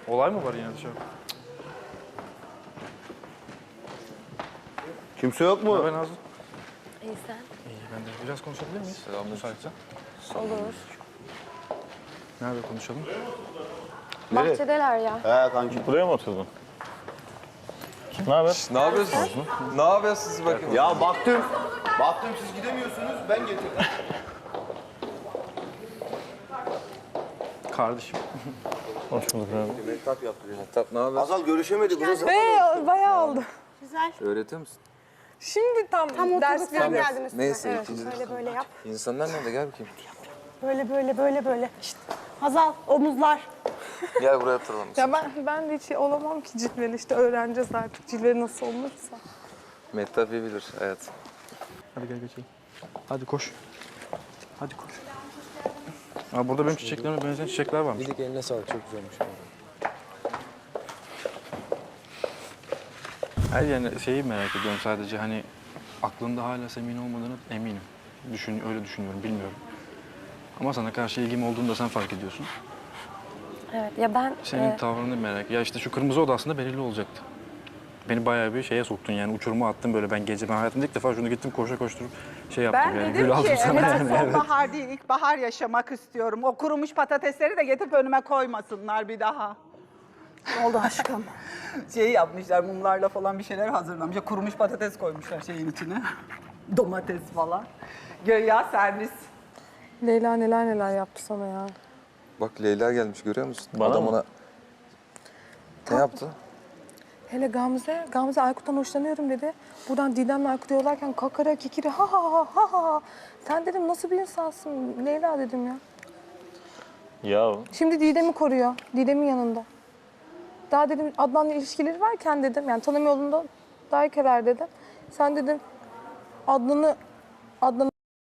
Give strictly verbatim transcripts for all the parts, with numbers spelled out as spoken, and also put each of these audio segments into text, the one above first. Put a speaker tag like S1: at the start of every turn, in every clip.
S1: Olay mı var yine dışarı?
S2: Kimse yok mu?
S1: Ben Nazlı.
S3: İyi sen.
S1: İyi ben de. Biraz konuşabilir miyiz? Selam müsaitsen.
S3: Olur.
S1: Nerede konuşalım?
S3: Bahçedeler ya.
S2: He kanki.
S4: Buraya mı oturdun? Ne haber?
S5: Ne yapıyorsunuz? Ne yapıyorsunuz siz bakın?
S2: Ya baktım. Baktım siz gidemiyorsunuz. Ben getirdim.
S1: Kardeşim.
S4: Hoş bulduk abi.
S2: Mehtap yaptı ya.
S5: Mehtap ne haber?
S2: Azal görüşemedik. Burası
S6: Hey, bayağı oldu.
S3: Güzel.
S5: Öğretiyor musun?
S6: Şimdi tam,
S3: Tam
S6: ders
S3: oturduk sen
S6: veriyoruz.
S3: geldin üstüne.
S5: Neyse,
S3: Evet,
S5: ikinci-
S3: böyle böyle yap.
S5: İnsanlar nerede? Gel bakayım.
S3: Böyle böyle böyle böyle. İşte Hazal omuzlar.
S5: Gel buraya oturalım.
S6: Ya ben, ben de hiç olamam ki cilveli. İşte öğreneceğiz artık cilveli nasıl olursa.
S5: Mehtap iyi bilir hayat.
S1: Hadi gel geçelim. Hadi koş. Hadi koş. Aa, burada benim çiçeklerime benzeyen çiçekler varmış.
S5: İyilik eline sağlık. Çok güzelmiş.
S1: Hayır yani şeyi merak ediyorum sadece hani aklında hala Semih'in olmadığını eminim. Düşün, öyle düşünüyorum, bilmiyorum. Ama sana karşı ilgim olduğunu da sen fark ediyorsun.
S3: Evet ya ben...
S1: Senin
S3: e,
S1: tavrını merak... Ya işte şu kırmızı oda aslında belirli olacaktı. Beni bayağı bir şeye soktun yani uçuruma attın böyle ben gece ben hayatımda ilk defa şunu gittim koşa koşturup şey yaptım
S7: Ben
S1: yani
S7: dedim
S1: gül aldım
S7: ki
S1: sana
S7: evet,
S1: yani. Evet.
S7: sonbahar değil ilkbahar yaşamak istiyorum. O kurumuş patatesleri de getirip önüme koymasınlar bir daha.
S3: oldu aşkım.
S7: Şey yapmışlar mumlarla falan bir şeyler hazırlamışlar. Kurumuş patates koymuşlar şeyin içine. Domates falan. Göya servis.
S6: Leyla neler neler yaptı sana ya.
S5: Bak Leyla gelmiş görüyor musun?
S4: Bana
S5: Adam
S4: mı?
S5: ona... Ne yaptı?
S6: Hele Gamze, Gamze Aykut'tan hoşlanıyorum dedi. Buradan Didem'le Aykut yollarken kakara kikiri ha ha ha ha ha. Sen dedim nasıl bir insansın Leyla dedim ya.
S4: Ya
S6: Şimdi Didem'i koruyor. Didem'in yanında. Daha dedim Adnan'la ilişkileri varken dedim yani tanım yolunda daykeler dedim. Sen dedim Adnan'ı Adnan'ı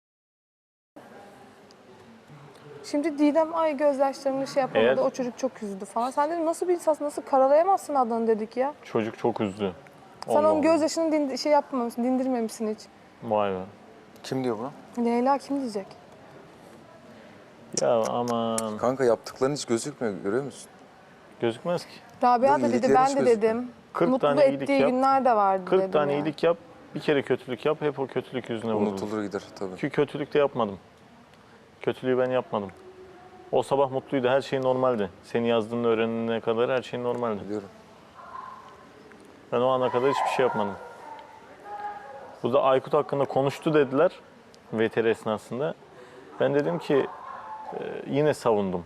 S6: Şimdi Didem ay gözyaşlarını şey yapamadı.
S4: Eğer-
S6: O çocuk çok üzdü falan. Sen dedim nasıl bir insansın? Nasıl karalayamazsın Adnan'ı dedik ya.
S4: çocuk çok üzdü.
S6: Sen
S4: Allah
S6: onun
S4: Allah.
S6: gözyaşını din- şey yapmamışsın, dindirmemişsin hiç.
S4: Vay be.
S5: Kim diyor bunu?
S6: Leyla kim diyecek?
S4: Ya aman.
S5: Kanka yaptıkların hiç gözükmüyor görüyor musun?
S4: Gözükmez ki.
S6: Rabia
S5: Bu
S6: da dedi,
S5: iyilikleri
S6: ben
S5: hiç
S6: de
S5: gözükmüyor.
S6: dedim.
S4: kırk
S6: Mutlu
S4: tane iyilik
S6: ettiği
S4: yap.
S6: günler de vardı
S4: kırk
S6: dedim
S4: tane
S6: ya.
S4: iyilik yap. Bir kere kötülük yap. Hep o kötülük yüzüne vurulur.
S5: Unutulur gider tabii.
S4: Çünkü kötülük de yapmadım. Kötülüğü ben yapmadım. O sabah mutluydu. Her şey normaldi. Seni yazdığını öğrenene kadar her şey normaldi.
S5: Biliyorum.
S4: Ben o ana kadar hiçbir şey yapmadım. Bu da Aykut hakkında konuştu dediler V T R esnasında. Ben dedim ki e, yine savundum.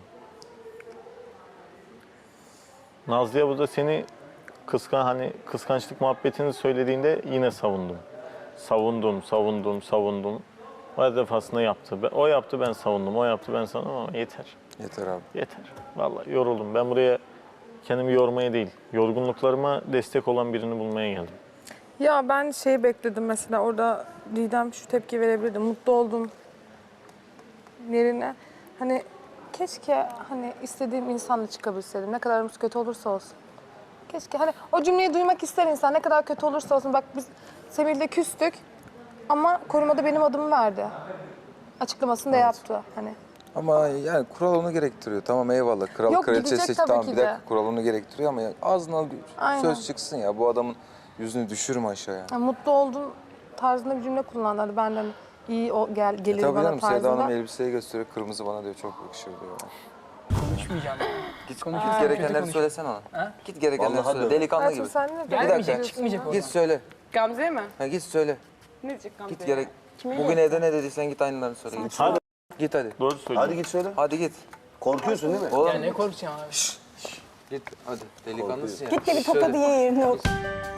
S4: Nazlı'ya bu da seni kıskan hani kıskançlık muhabbetini söylediğinde yine savundum. Savundum, savundum, savundum. Her defasında yaptı. Ben- O yaptı ben savundum, o yaptı ben savundum ama yeter.
S5: Yeter abi.
S4: Yeter. Vallahi yoruldum. Ben buraya kendimi yormaya değil, yorgunluklarıma destek olan birini bulmaya geldim.
S6: Ya ben şey bekledim mesela orada Didem şu tepki verebilirdi. Mutlu oldum yerine. Hani keşke hani istediğim insanla çıkabilseydim. Ne kadar aramız kötü olursa olsun. Keşke hani o cümleyi duymak ister insan. Ne kadar kötü olursa olsun. Bak biz Semih'le küstük ama korumada benim adımı verdi. Açıklamasını da yaptı hani.
S5: Ama yani kural onu gerektiriyor. Tamam eyvallah. Kral
S6: Yok,
S5: kraliçe
S6: gidecek
S5: seç.
S6: tabii
S5: Tamam
S6: ki
S5: bir
S6: de.
S5: dakika kural onu gerektiriyor ama ya ağzına
S6: Aynen.
S5: söz çıksın ya. Bu adamın yüzünü düşürme aşağıya.
S6: Yani mutlu oldun tarzında bir cümle kullandı. Hadi benden iyi o gel gelir
S5: E tabii
S6: bana
S5: canım Seda
S6: tarzında.
S5: Hanım elbiseyi gösteriyor. Kırmızı bana diyor çok yakışır diyor.
S8: Konuşmayacağım.
S5: Git,
S8: Konuşuruz,
S5: git
S8: kötü
S5: gerekenleri
S8: konuş.
S5: söylesene ona.
S8: Ha?
S5: Git gerekenleri
S2: Vallahi
S5: söyle.
S2: de.
S5: Delikanlı
S6: Hayatım
S5: gibi.
S6: sen ne
S5: Bir dakika.
S8: Gelmeyecek, çıkmayacak oradan.
S5: Git söyle.
S6: Gamze'ye mi?
S5: Ha, git söyle.
S6: Ne diyecek Gamze'ye?
S5: Git gerek. Bugün evde ne dediysen git aynılarını söyle. Git.
S4: Hadi.
S5: Git hadi.
S4: Doğru söylüyorsun.
S2: Hadi git söyle.
S5: Hadi git.
S2: Korkuyorsun değil mi?
S5: Oğlum
S8: Ya ne korkacağım abi?
S5: git hadi. Delikanlısın ya.
S3: Git de bir
S5: Söyle.
S3: tokadı ye yerine otur.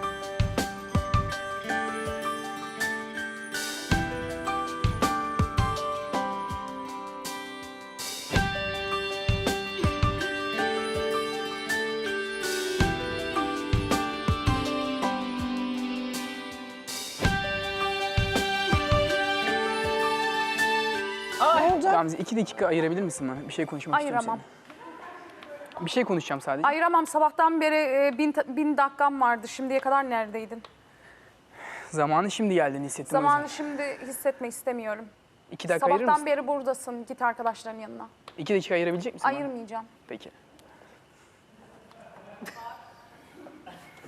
S8: Gamze iki dakika ayırabilir misin bana? Bir şey konuşmak istiyorum
S9: Ayıramam.
S8: seninle. Bir şey konuşacağım sadece.
S9: Ayıramam. Sabahtan beri e, bin, bin dakikam vardı. Şimdiye kadar neredeydin?
S8: Zamanı şimdi geldiğini hissettim. o
S9: Zamanı
S8: yüzden.
S9: şimdi hissetmek istemiyorum.
S8: İki dakika ayırır
S9: Sabahtan
S8: mısın?
S9: beri buradasın. Git arkadaşların yanına.
S8: İki dakika ayırabilecek misin bana?
S9: Ayırmayacağım.
S8: Peki.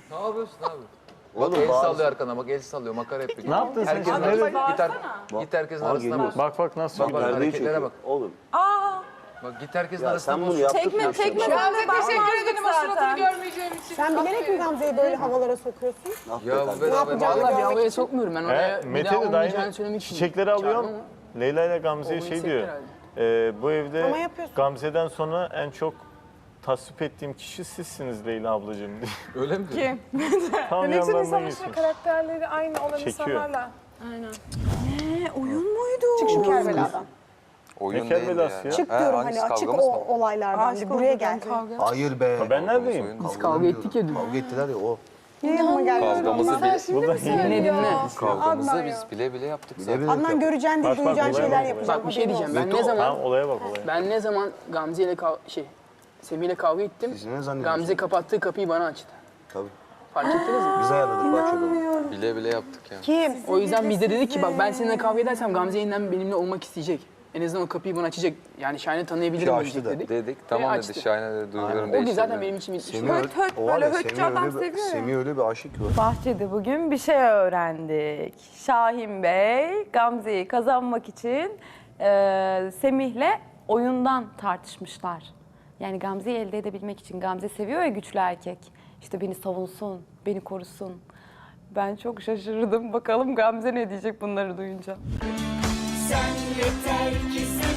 S5: Ne yapıyorsun abi?
S2: Oğlum,
S5: Bak el
S2: bazı-
S5: sallıyor arkana, bak el sallıyor, makara yapıyor.
S4: Ne yaptın sen
S5: Herkesin
S4: şimdi?
S5: arasına,
S4: Nereye-
S5: git, her, git herkesin
S2: Aa,
S5: arasına
S2: geliyor.
S5: bak.
S4: Bak bak nasıl
S5: Bak, bak,
S4: gidiyor.
S2: Perdeyi
S5: hareketlere
S2: çekiyor.
S5: bak.
S2: Oğlum.
S5: Bak git herkesin
S2: Ya
S5: arasına
S2: sen
S5: boş.
S2: bunu yaptık
S6: Tekme
S2: mı?
S6: tekme
S2: Sen-
S6: ben de teşekkür ederim o suratını görmeyeceğim için.
S3: Sen bilerek mi Gamze'yi böyle havalara sokuyorsun?
S2: Ah be
S5: Ya bu
S2: kardeşim.
S5: beraber
S3: yapacağını
S8: Vallahi bir
S3: görmek
S8: havaya
S3: için.
S8: sokmuyorum ben
S4: He,
S8: oraya. bir
S4: Mete
S8: daha
S4: de
S8: olmayacağını
S4: dayının
S8: söylemek için.
S4: çiçekleri alıyorum.
S8: Çağırdım ama
S4: Leyla ile Gamze'ye
S8: olmayı
S4: şey
S8: hissettir
S4: diyor.
S8: herhalde.
S4: e, bu evde
S3: Ama yapıyorsun.
S4: Gamze'den sonra en çok tasvip ettiğim kişi sizsiniz Leyla ablacığım diye.
S5: Öyle mi?
S6: Kim?
S4: Tam
S6: Ne tür
S4: yanlarına
S6: insanlar
S4: geçmiş.
S6: karakterleri aynı olan
S4: Çekiyor.
S6: insanlarla.
S3: Çık şu Kerbela'dan.
S5: Oyun
S4: Ne Kerbelası
S5: değildi
S4: ya?
S3: Çık
S5: He,
S3: diyorum
S5: hangisi,
S3: hani açık
S5: kavgamız
S3: o
S5: mı?
S3: olaylardan. Bir buraya gel.
S2: Hayır be.
S4: Ben neredeyim?
S5: Oyun.
S8: Biz kavga ettik ya dün.
S2: Kavga ettiler ya o.
S3: Niye yanıma geldin?
S5: Kavgamızı
S6: Sen
S5: bile,
S6: şimdi mi
S8: Dinle
S6: söylüyorsun?
S8: dinle.
S5: kavgamızı
S3: Adnan
S5: biz
S3: ya.
S5: bile bile yaptık
S2: Bile
S5: zaten.
S2: bile
S3: Adnan
S2: yapıyor.
S3: göreceğin
S4: Bak,
S3: değil,
S4: bak,
S3: duyacağın
S4: olaya
S3: şeyler
S4: bak,
S3: yapacağım.
S8: Bak bir şey
S3: haberin
S8: diyeceğim.
S3: olsun.
S8: Ben ne zaman
S4: Tamam olaya bak olaya.
S8: ben ne zaman Gamze ile kav şey Semih ile kavga ettim.
S2: Siz ne zannediyorsunuz?
S8: Gamze kapattığı kapıyı bana açtı.
S2: Tabii.
S8: Fark ettiniz mi?
S2: Biz ayarladık bahçede.
S5: Bile bile yaptık ya.
S3: Kim?
S8: O yüzden biz de dedik ki bak ben seninle kavga edersem Gamze yeniden benimle olmak isteyecek. En azından o kapıyı bana açacak. Yani Şahin'i tanıyabilirim
S2: Ki açtı
S8: diyecek
S2: da.
S8: dedik.
S5: Dedik, tamam
S8: açtı.
S5: dedi. Şahin'e de duygularım
S8: O gün
S5: değişti.
S8: zaten benim için bitmiş.
S2: Semih öyle,
S6: höt,
S2: o var
S6: böyle
S2: ya,
S6: hötçü
S2: Semih
S6: adam
S2: öyle bir-
S6: seviyor ya.
S2: Semih öyle bir aşık ki o.
S10: Bahçede bugün bir şey öğrendik. Şahin Bey Gamze'yi kazanmak için e, Semih'le oyundan tartışmışlar. Yani Gamze'yi elde edebilmek için. Gamze seviyor ya güçlü erkek. İşte beni savunsun, beni korusun. Ben çok şaşırdım. Bakalım Gamze ne diyecek bunları duyunca.
S11: Sen yeter ki sen